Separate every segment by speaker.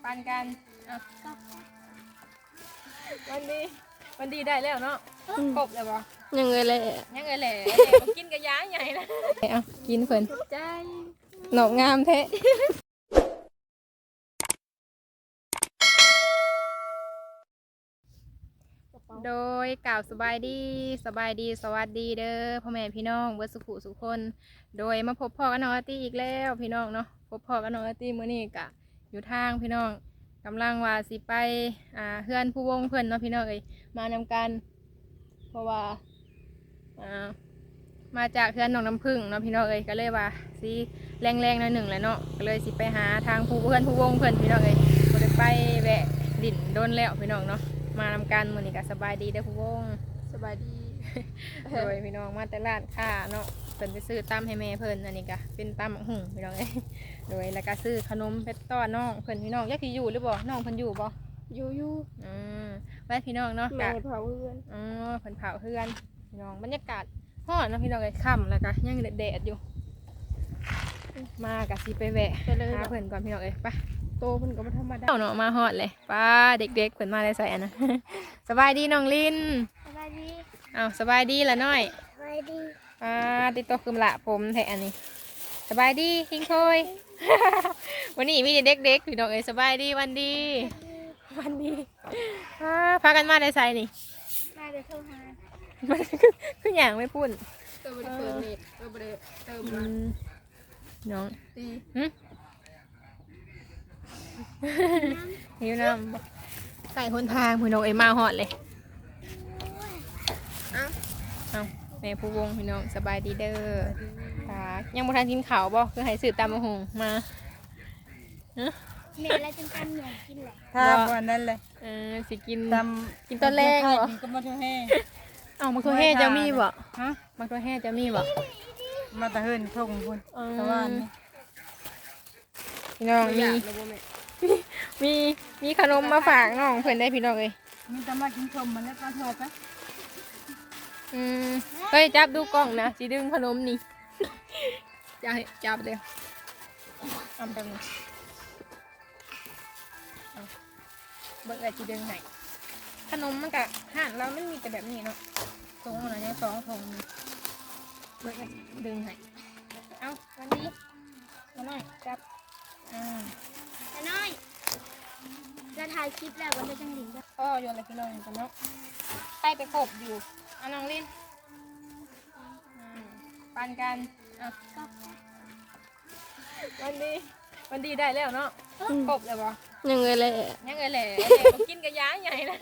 Speaker 1: ปันกันวันดีได้แล้วเนาะครบเลยบ่
Speaker 2: ยังไงแหละ
Speaker 1: ยังไงแหละกินกระยาใหญ่นะเอากินเพิ่นใจหนอกงามแท้โดยกล่าวสบายดีสวัสดีเด้อพ่อแม่พี่น้องเบิดสุขุสุขคนโดยมาพบพ่อกับน้องอาร์ตี้อีกแล้วพี่น้องเนาะพบพ่อกับน้องอาร์ตี้มื้อนี้กะอยู่ทางพี่น้องกำลังว่าสิไปเฮือนผู้วงเพิ่นเนาะพี่น้องเอ้ยมานำกันเพราะว่ามาจากเฮือนหนองน้ำผึ้งเนาะพี่น้องเอ้ยก็เลยว่าสิแรงๆหน่อยหนึ่งแหละเนาะก็เลยสิไปหาทางผู้เฮือนผู้วงเพิ่นพี่น้องเอ้ยบ่ได้ไปแวะดินโดนแล้วพี่น้องเนาะมานำกันมื้อนี้ก็สบายดีเด้อผู้วง
Speaker 2: สบายดี
Speaker 1: โดยพี่น้องมาแต่ร้านค้าเนาะเพิ่นไปซื้อตำให้แม่เพิ่นอันนี้ก็เป็นตำบักหุ่งพี่น้องเอ้ยโดยแล้วก็ซื้อขนมเพชรต้อนน้องเพิ่นพี่น้องยักสิอยู่หรือบ่น้องเพิ่นอยู่บ่
Speaker 2: อยู่
Speaker 1: ไว้พี่น้องเนาะ
Speaker 2: แม่เผาเพื่อน
Speaker 1: เพิ่นเผาเฮือนพี่น้องบรรยากาศร้อนเนาะพี่น้องเอ้ยค่ำแล้วก็ยังแดดอยู่มาก็สิไปแวะหาเพิ่นก่อนพี่น้องเอ้ยไป
Speaker 2: โตเพิ่นก็บ่ธรรมดา
Speaker 1: เนาะมาฮอดเลยป้าเด็กๆเพิ่นมาได้ใส่อันนะ สบายดีน้องลิน
Speaker 2: สบายดี
Speaker 1: สบายดีละน้อย
Speaker 2: สบายดี
Speaker 1: ติดตัวคือละผมแทอันนี้สบายดีคิงโคย วันนี้มีเด็กๆพี่น้องเอ้ยสบายดีวันดีพากันมาได้ใส่นี่
Speaker 2: มาเดี๋ยวโทรหา
Speaker 1: มันคืออย่างไม่พูด
Speaker 2: เติมเปิดเน็ตเติม
Speaker 1: น้อง
Speaker 2: ตี
Speaker 1: หิวน้ำใส่หนทางพี่น้องเอ้ยมาฮอดเลยเอาแม่ผู้วงพี่น้องสบายดีเด้อยังบ่ทันกินข้าวบ่คือให้ซื้อตำบักหุ่งมา
Speaker 2: แม่แล้วจังกันเหนื่อยกินแหละ
Speaker 3: ถ้าวันนั้นเลย
Speaker 1: สิกิน
Speaker 3: กิน
Speaker 1: ตอนแรกเหรอ
Speaker 3: ก็มาเท่าแห่
Speaker 1: มะเขือเทศจะมีบ่ฮะมะเขือเทศจะมีบ่
Speaker 3: มาตะเฮินทงคุณตะวัน
Speaker 1: พี่น้องมีขนมมาฝากน้องเพื่อนได้พี่น้องเลย
Speaker 3: มีตะมากินชมมันแล้วก็ทอดไป
Speaker 1: เฮ้ยจับดูกล้องนะจีดึงขนมนี่จะจับเดี๋ยวเอาไปเลยเบิกอะไรจีดึงให้ขนมมันกะห่านเราไม่มีแต่แบบนี้เนาะตรงนั้นยัง2 ถุงเบิกอะไรดึงให้เอาวันนี้มาหน่อยจับ
Speaker 2: น้อยจะถ่ายคลิปแล้ววันเดียวจังหลิง
Speaker 1: โยนอะไรพี่น้องกันเนาะไปกบอยู่น้องลินปันกันวันดีได้แล้วเนาะกบเลยบ่
Speaker 2: ยังไงแหละ
Speaker 1: กินกระยาใหญ่นะ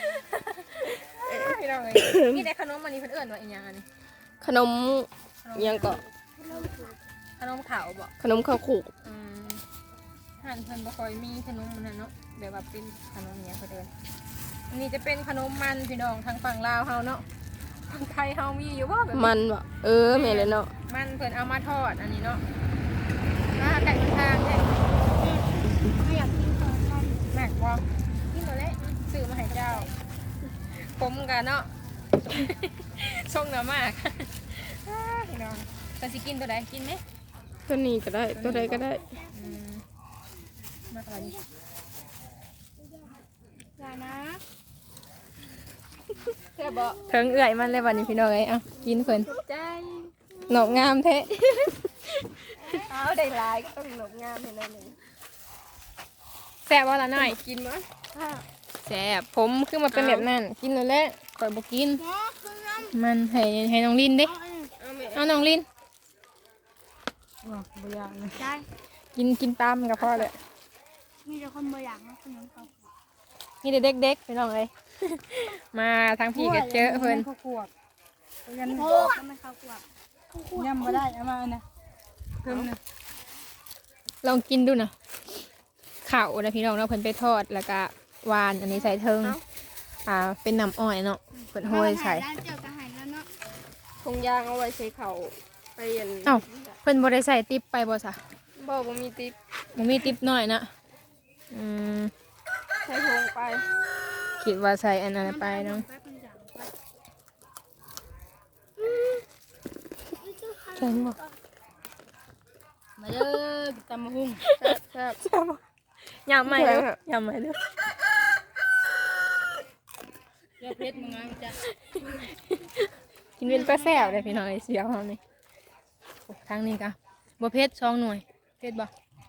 Speaker 1: พี่น้องเลยมีแต่ขนมมันนี่เพิ่นเอิ้นว่าอีหยังอันนี้
Speaker 2: ขนมยังเกาะ
Speaker 1: ขนมขาวบ่
Speaker 2: ขนมข้าวขู่
Speaker 1: หั่นเพิ่นบ่ค่อยมีขนมมันเนาะแบบว่าเป็นขนมอย่างเพิ่นเอิ้นอันนี้จะเป็นขนมมันพี่น้องทางฝั่งลาวเฮาเนาะทางไทยเฮามีอยู่บ่แบบ
Speaker 2: มันบ่แม่เลยเนาะ
Speaker 1: มันเพิ่นเอามาทอดอันนี้เนาะไก่ทางแท้
Speaker 2: ไม่อยากกินข้าวมัน
Speaker 1: แม็กบ่กินตัวเล็กซื้อมาให้เจ้าผมกันเนาะส่งเนื้อมากพี่น้องแต่สิกินตัวใดกินไหม
Speaker 2: ตัวนี้ก็ได้ตัวใดก็ได้
Speaker 1: มากอะไรนี่
Speaker 2: อย่านะ
Speaker 1: เธอบอกเถิงเอื่อยมันเลยวันนี้พี่น้องเอ้ยกินเพิ่น
Speaker 2: ใจ
Speaker 1: หนกงามแท้
Speaker 2: ได้ลายก็ต้องหนกงามเห็นไหม
Speaker 1: แซ่บว่าละหน่อย
Speaker 2: กินมั้ย
Speaker 1: แซ่บผมคือมาเป็นแบบนั้นกินแล้วแหละก่อยบอกกินมันให้น้องลินดิเอาน้องลิน
Speaker 3: บ่อยากเลย
Speaker 1: กินตามกับพ่อเลย
Speaker 2: มีแต่คนบ่อยากนะขนมเขา
Speaker 1: มีแต่เด็กๆพี่น้องเลยมาทางพี่ก็เจอเพิ่น
Speaker 3: ข้าวขวด
Speaker 2: ยันทำไมข้าวขวด
Speaker 3: ย่ำมาได้เอามานะเพิ่มนะ
Speaker 1: ลองกินดูนะข้าวนะพี่น้องเนาะเพิ่นไปทอดแล้วก็วานอันนี้ใส่เทิงเป็นน้ำอ้อยเนาะเพิ่นโหยใส่
Speaker 2: ทงยางเอาไว้ใส่เข่าไปเรียน
Speaker 1: เพิ่นบ่ได้ใส่ติ๊บไปบ่ซะ
Speaker 2: บ่มีติ๊บ
Speaker 1: น้อยนะ
Speaker 2: ใส่ทงไป
Speaker 1: คิดว่าใส่อันนั้นไปเนาะแข็งบ่
Speaker 3: มาเด้อตำมะฮุ่ง
Speaker 1: แซ่บยำใหม่เด้อยำใหม่เด้อ
Speaker 3: เลือเพชรมึงจ้ะ
Speaker 1: กินเป็นปลาแซ่บเลยพี่น้องไอ้เสียวเฮานี่โอ้ทางนี้กะบ่เผ็ด2 หน่วยเผ็ดบ่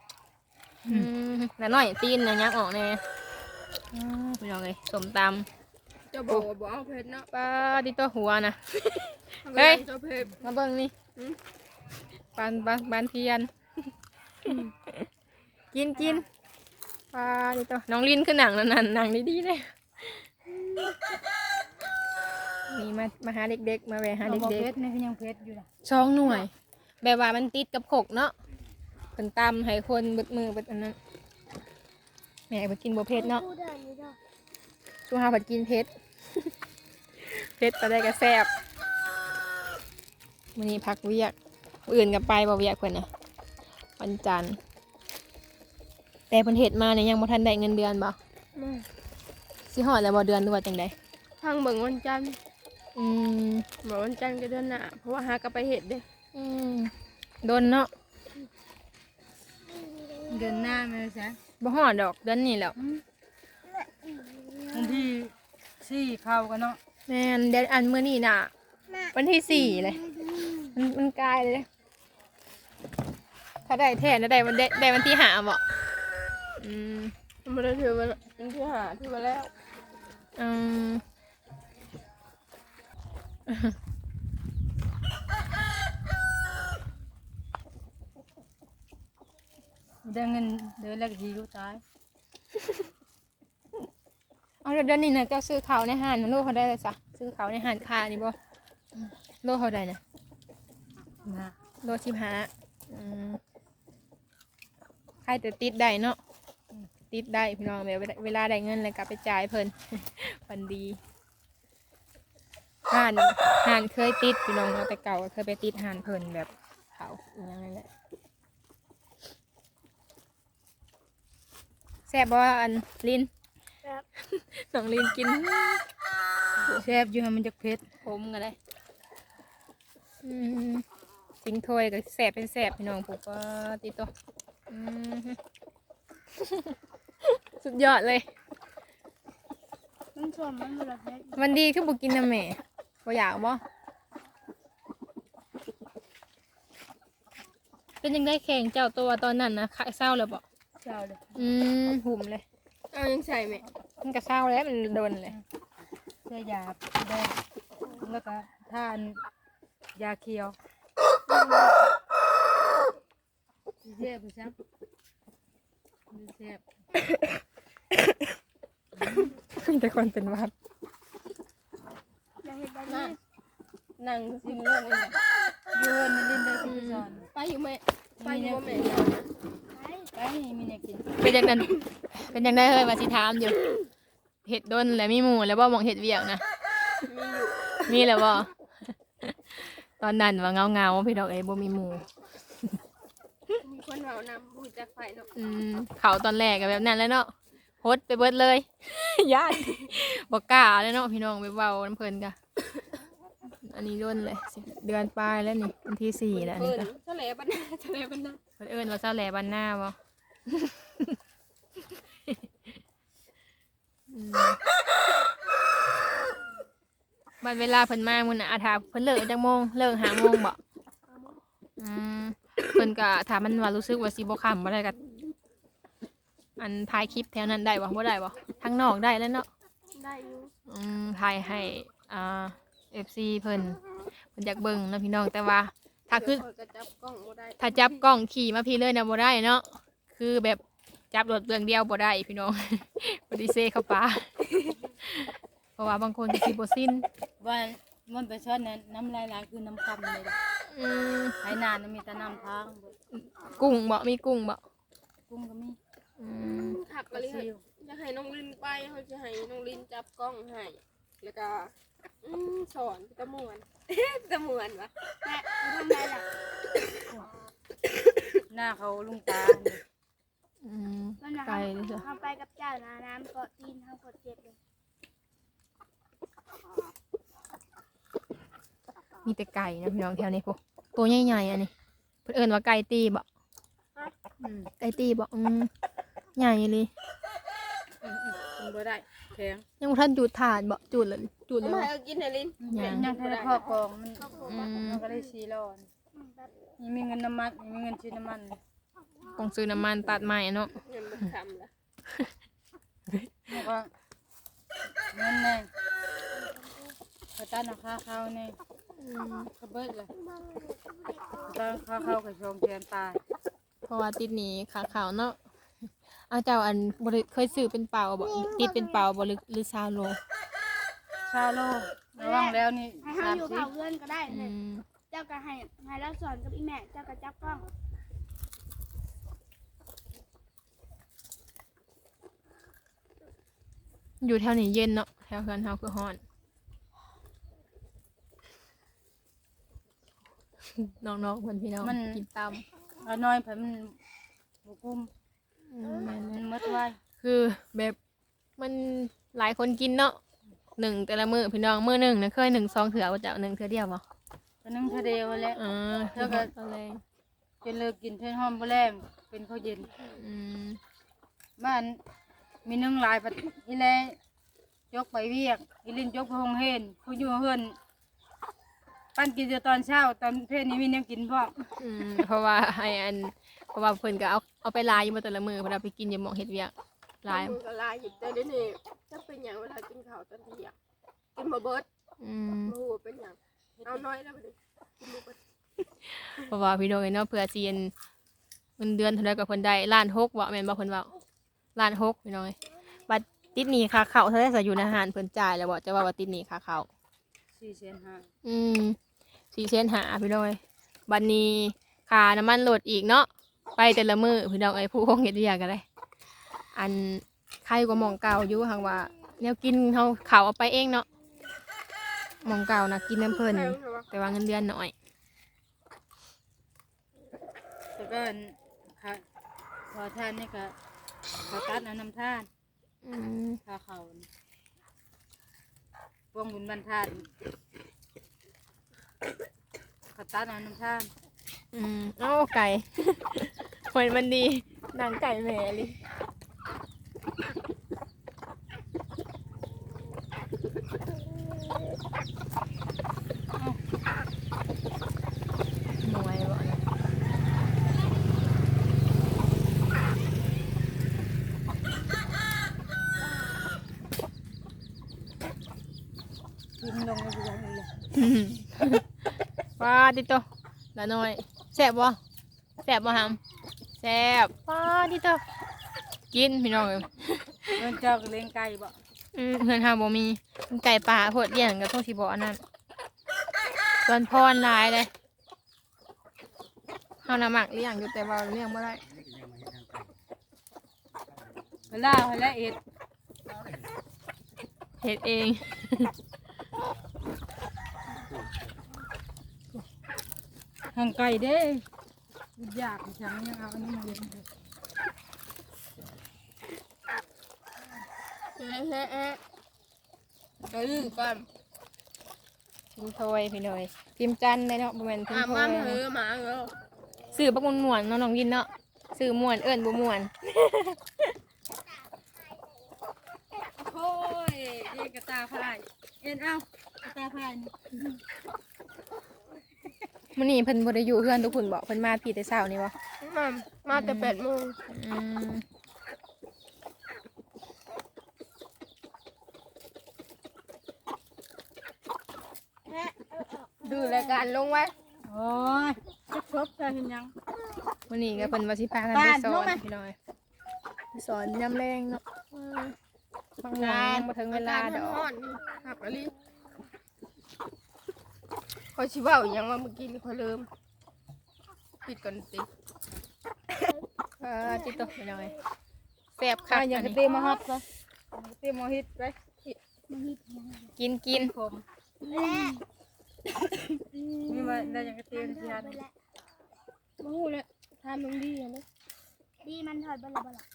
Speaker 1: แล้วน้อยตีนน่ะยักออกแน่พี่น้องเอ้ยส้มตำ
Speaker 3: จะบอกว่าบ่เอาเพชรเนาะ
Speaker 1: ปลาติโตหัวนะเฮ้ย
Speaker 3: เจ้าเพชร
Speaker 1: มาเบิ่งนี่ปานเทียนกินปลาติโตน้องลินคือหนังนั่นหนังดีๆเลยนี่มาหาเด็กๆมาแวะหา
Speaker 3: บ่
Speaker 1: เด็
Speaker 3: เพ
Speaker 1: ก
Speaker 3: ชรนี่คือยังเพชรอยู่ล่ะ
Speaker 1: ๆ2 หน่วย แบบว่ามันติดกับขกเนาะเป็นตำให้คนเบิดมือเบิดอันนั้นแม่ไปกินบ่เผ็ดเนาะ
Speaker 2: พูดได้นี่เด้อ
Speaker 1: ช่วงหาผัดกินเผ็ด เผ็ดไปได้ก็แซ่บวันนี้พักเวียกมื้ออื่นกับไปบ่เวียกเพิ่นน่ะวันจันทร์แต่เพิ่นเฮ็ดมาเนี่ยยังบ่ทันได้เงินเดือนบ่สิฮอดแล้วบ่เดือนหรือว่าจังได๋
Speaker 3: ทางเบิ่งวันจันทร์
Speaker 1: อืม
Speaker 3: บ่วันจันทร์ก็เดือนหน้าเพราะว่าหากลับไปเฮ็ดเด้
Speaker 1: อืมโดนเนาะ
Speaker 3: เดือนหน้าแม่ซะ
Speaker 1: บ่ฮอดดอกเดือนนี้แล้ว
Speaker 3: วันที่สี่เข้ากันเนาะ
Speaker 1: แม่นเดือนอันมื้อนี้น่ะวันที่4เลยมันใกล้เลยถ้าได้แท้น่ะได้วันที่5บ่อืม
Speaker 3: บ่ได้ถือว่าวันที่ห้าถือว่าแล้ว
Speaker 1: อืม
Speaker 3: ได้เงินเดือนแรกดีรู้ตาย
Speaker 1: เอาเดือนนี้นะเจ้าซื้อเขาวในห้างโลเขาได้เลยจ้ะซื้อเขาวในห้างค่านี่บ่โลเขาได้นะ
Speaker 3: นะ
Speaker 1: โล15ใครแต่ติดได้เนาะติดได้พี่น้องแบบเวลาได้เงินเลยกลับไปจ่ายเพิ่น วันดีห่านเคยติดพี่น้องเราแต่เก่าก็เคยไปติดห่านเพิ่นแบบเขาอย่างนั้นแหละแซ่บบ่อันลิน
Speaker 2: ครับ
Speaker 1: น้องลินกิน
Speaker 3: แซ่บอยู่ให้มันจักเพชร
Speaker 1: ผมกันเลยสิงถ้วยก็แสบเป็นแสบพี่น้องผมก็ติดตัวสุดยอดเลย
Speaker 2: มันส่วนมันบ่ละเพชร
Speaker 1: มันดีคือบุกินนะแม่บ่อยากบ่เป็นยังได้แข่งเจ้าตัวตอนนั้นนะขายเศร้าเลยบ่
Speaker 3: เจ้าเลย
Speaker 1: หุ่มเลย
Speaker 3: เอายังใส่ไหม
Speaker 1: มันก็เศร้าแล้วมันโดนเลย
Speaker 3: เสื้อยาแดงแล้วก็ทานยาเขียวเสียบไปซักเสียบ
Speaker 1: แต่คนเป็นหวัด
Speaker 2: อย่าเฮ็ดแบบนี้
Speaker 3: นั่งซิมเรื่องอะไรโยนมันลินได้ที่สอนไปอยู่ไหมไปอยู่บ่แม่
Speaker 2: ไป
Speaker 3: ไปมีเนี่ยกิน
Speaker 1: เป็นยังนั้นเป็นยังได้เฮ้ยมาสิถามอยู่เห็ดโดนแล้วมีหมูแล้วบ่มองเห็ดเวียกนะ
Speaker 3: มีอยู่
Speaker 1: มีแล้วบ่ ตอนนั้นว่าเงาพี่ดอกเอ้ยบ่มีหมู
Speaker 3: มีคนเอานำบูจากไฟเนาะ
Speaker 1: เขาตอนแรกก็แบบนั้นแล้วเนาะโฮดไปเบิดเลย ญาติบ่กล้าแล้วเนาะพี่น้องไปเว้าน้ำเพลินกะ อันนี้โดนเลยเดือนปลายแล้วนี่วันที่4แล้วอันนี้ก็
Speaker 3: ทะเลบ้านนาทะเลบ้านนา
Speaker 1: เพิ่นเอิ้นว่าเจ้าแหล่บ้านหน้าบ่ บัดเวลาเพิ่นมามื้อน่ะอาถาเพิ่นเลิกจักโมงเลิก5 โมงบ่เพิ่นก็ถ้ามันว่ารู้สึกว่าสิบ่ค่ำบ่ได้ก็อันถ่ายคลิปแถวนั้นได้บ่บ่ได้บ่ทางนอกได้แล้วเนาะ
Speaker 2: ได้อยู่
Speaker 1: ถ่ายให้FC เพิ่นอยากเบิ่งเนาะพี่น้องแต่ว่าถ้าคือ
Speaker 3: ก็จับกล้องบ่ได้
Speaker 1: ถ้าจับกล้องขี่มาพี่เลยนะบ่ได้เนาะคือแบบจับรถเบื้องเดียวบ่ได้พี่น้อง บไดิเซเข้าป่า เพราะว่าบางคนสิบ่สิ้น
Speaker 3: ว่ามันไปช้อนนั้นน้ำลายล้างคือน้ำคำเลยล่ะ
Speaker 1: อืม
Speaker 3: ไหนานมีแต่น้ำทางเบิด
Speaker 1: กุ้งบ่มีกุ้งบ่
Speaker 3: กุ้งก็มี
Speaker 1: อืม
Speaker 4: ขับ
Speaker 3: ปลา
Speaker 4: ไปเลย
Speaker 3: ซิว
Speaker 4: จะให้น้องลินไปเขาจะให้น้องลินจับกล้องให้แล้วก็สอนตะมวน ตะมวนวะ
Speaker 2: แม่ทำไรล่ะ
Speaker 3: หน้าเขาลุงตาเนี่ย
Speaker 1: อืม
Speaker 2: มันว่า
Speaker 1: ไกลเลยจ้ะ
Speaker 2: ทำไปกับเจ้านะน้ำเกาะตีนทำกดเจ็บเลย
Speaker 1: มีแต่ไก่นะพี่น้องแถวนี้พวกตัวใหญ่ๆอันนี้เพิ่นเอิ้นว่าไก่ตีบ่
Speaker 3: อืม
Speaker 1: ไก่ตีบ่ใหญ่เลย
Speaker 3: กินบ่ได้แข็ง
Speaker 1: ยังบ่ทันจุดถ่านบ่จุดเลยจุดเล
Speaker 4: ทำ
Speaker 1: ย
Speaker 4: ไม
Speaker 1: บ่
Speaker 4: เอากินให้ลิ้น
Speaker 3: ยังให้พ่อกองมัน
Speaker 1: อืม
Speaker 3: มันก็ได้4ร้อยนี่มีเงินน้ำมันมีเงินซื้อน้ำมัน
Speaker 1: ต้องซื้อน้ำมันตัดใหม่เนาะ
Speaker 4: เงินมันคำละ
Speaker 3: แล้วก็เงินแน่กระตันราคาเขาเนี่ยก็เบิดเลยกระตันราคาเขากับชงแทนตาย
Speaker 1: เพราะว่าติดหนี้ขาขาวเนาะเอาเจ้าอันบ่ได้เคยซื้อเป็นเปล่าบ่ติดเป็นเปล่าบ่หรือซาโล
Speaker 3: ชาโลระวังแล้วนี่
Speaker 2: ให้เฮาอยู่เผาเพื่อนก็ได้
Speaker 1: อืม
Speaker 2: เจ้าก็ให้เราสอนกับอีแม่เจ้าก็จับกล้อง
Speaker 1: อยู่แถวนี้เย็นเนาะแถวเฮือนเฮาคือฮ้อน น้องๆเพิ่นพี่น้องกินตาม
Speaker 3: เอาน้อยเพิ่นมันบุกุ้ม
Speaker 1: แม่น
Speaker 3: มันมดไว้
Speaker 1: คือแบบมันหลายคนกินเนาะหนึ่งแต่ละมื้อพี่น้องมื้อหนึ่งนะเคย1 2เถื่อว่าจะเอา1เถื่อเดียวบ่
Speaker 3: ก็นึ่งทะเดียวแล้ว
Speaker 1: แล้วก็ตอนแรง
Speaker 3: จนเลิกกินเท่นหอมบ่แรง เป็นข้าวเย็น
Speaker 1: อืม
Speaker 3: บ้านมีนึ่งหลายปัดอีแลยกไปเวียกอีลินยกไปโรงเรียนผู้อยู่เฮือนปั้นกินแต่ตอนเช้าตอนเพลนี้มีแนวกินพร้อม
Speaker 1: เพราะว่าเพราะว่าเพิ่นก็เอาไปลายอยู่มาแต่ละมื้อเพิ่นเอาไปกินอยู่หม้องเฮ็ดเวียกลาย
Speaker 4: มือก็ลายหยิบแต่เดี๋ยวนี้จะเป็นอย่างเวลากินข้าวตอนเที่ยงกินมาเบิด
Speaker 1: อืม
Speaker 4: มาหัวเป็นอย่างเอาน้อยแล้วไปดิกินมาเบิด
Speaker 1: เพราะว่าพี่น้องเนาะเพื่อสิเงินเดือนเท่าใดก็เพิ่นได้ล้าน6บ่แม่นบ่เพิ่นเว้าล้าน6พี่น้องบัดติดหนี้ค่าข้าวเท่าใดสิอยู่ในอาหารเพิ่นจ่ายแล้วบ่จะว่าติดหนี้ค่าข้าว
Speaker 3: 4,500,000
Speaker 1: 4,500,000พี่น้องบัดนี้ค่าน้ำมันรถอีกเนาะไปแต่ละมื้อพี่น้องผู้คงเฮ็ดเวียกก็ได้อันใครก็หม้องเก่าอยู่หังว่าแนวกินเฮาข้าวเอาไปเองเนาะหม้องเก่านะกินน้ำเพิ่นแต่ว่าเงินเดือนน้อย
Speaker 3: แต่ก็ค่ะพอทานนี่ก็ขอตัดเอาน้ำทาน
Speaker 1: อืม
Speaker 3: ข้าเขาพวงบุญบรรทานขอตัดเอาน้ำทาน
Speaker 1: เอ้าไก่ เหมือนมันดีหนังไก่แหม่เลยหน่วยบ่
Speaker 3: กินลงในเรือนเลย
Speaker 1: ว้าติโตละน้อยแซ่บบ่แซ่บบ่หำแซ่บว้าติโตกินพี่น้องเอ้ย
Speaker 3: เงินเจ้าก็เลี้ยงไก่บ่
Speaker 1: เพื่อนหาบ่มีมันไก่ป่าโพดเลี้ยงกับพวกสิบ่อันนั้นส่วนพรหลายเลยเฮาน่ะมักเลี้ยงอยู่แต่ว่าเลี้ยงบ่ได้
Speaker 3: เวลาเวลาเอ็ด
Speaker 1: เฮ็ดเอง
Speaker 3: ทางไก่เด้อยากฉันยังเอาอันนี้มาเลี้ยงเลย
Speaker 4: ก็ลืมก่อน
Speaker 1: พิมพ์โทยพี่น้อยพิมพ์จันเลยเนาะบ่แม่นพิมพ์โท
Speaker 4: มาย เหอะหมาเหอะ
Speaker 1: ซื้อบักม่วนๆเนาะน้องวินเนาะซื้อม่วนเอิ้นบ่ม่วน
Speaker 3: โอ้ยเอ็นกระตาพายเอ็นเอากระตาพายนี่
Speaker 1: มื้อนี้เพิ่นบ่ได้อยู่เฮือนทุกคนบ่เพิ่นมาพี่แต่เช้านี่บ่
Speaker 4: มาแต่8 โมง
Speaker 1: อืม
Speaker 4: ดูรายการลงไว้
Speaker 3: โอ้ยจะครบจะเห็นยัง
Speaker 1: มื้อนี้ก็เพิ่นว่าสิพากันไปสอนพี่น้อยไปสอนยามแรงเนาะบางงานบ่ถึงเวลาดอก
Speaker 4: ร้อนๆหักอะไรคอยชิเว่าอหยังว่าเมื่อกี้นี่คอยลืมปิดก่อนสิ
Speaker 1: จิตตกพี่น้อยแซ่บคัก
Speaker 3: อย่าง
Speaker 1: อัน
Speaker 3: กระ
Speaker 1: นี้
Speaker 3: เตมาฮอตซะกระเตมาฮิตไป
Speaker 1: กิน
Speaker 3: ผมนี่มาได้อย่างกระเตมาที่ฮัน
Speaker 4: มาหูเลยทำมึงดีอะนะ
Speaker 2: ดีมันถอดบลาบลา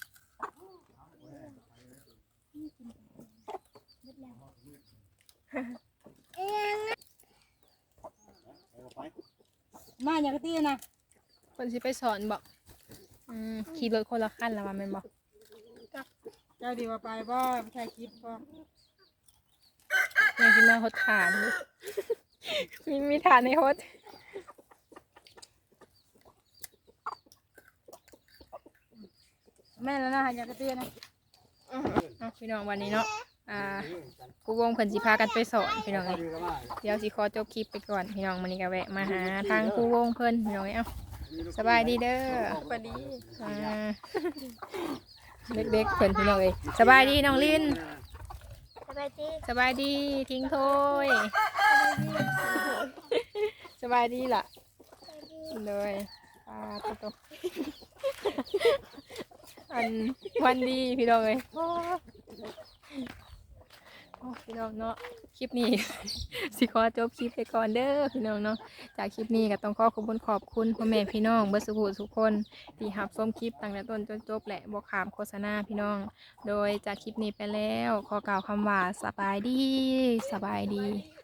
Speaker 3: มาอย่างกระเตนะ
Speaker 1: เพิ่นสิไปสอนบ่ขี่รถคนละคันแล้วว่าแม่นบ่
Speaker 3: เจ้าดีว่าไปบ่ไม่ใช่คลิปบ่
Speaker 1: ยังกินมาหดฐานอยู่ มีฐานในหด
Speaker 3: แม่แล้วนะอยากกระเตื้อนะ
Speaker 1: พี่น้องวันนี้เนาะครูวงเพิ่นสิพากันไปสอนพี่น้องเอ้ยเดี๋ยวสิขอจบคลิปไปก่อนพี่น้องวันนี้ก็แวะมาหาทางครูวงเพิ่นพี่น้องเอ้ยสบายดีเด้อ
Speaker 4: สวัสดี
Speaker 1: เด็กๆเพิ่นพี่น้องเอ้ยสบายดีน้องลิน
Speaker 2: สบายดี
Speaker 1: สบายดีทิ้งโทยสบายดีล่ะเลยตุ๊กอันวันดีพี่น้องเอ้ยพี่น้องเนาะคลิปนี้ สิขอจบคลิปไปก่อนเด้อพี่น้องเนาะจากคลิปนี้ก็ต้องขอบคุณพ่อแม่พี่น้องเบิดสุขทุกคนที่รับชมคลิปตั้งแต่ต้นจนจบและบ่ขามโฆษณาพี่น้องโดยจากคลิปนี้ไปแล้วขอกล่าวคำว่าสบายดี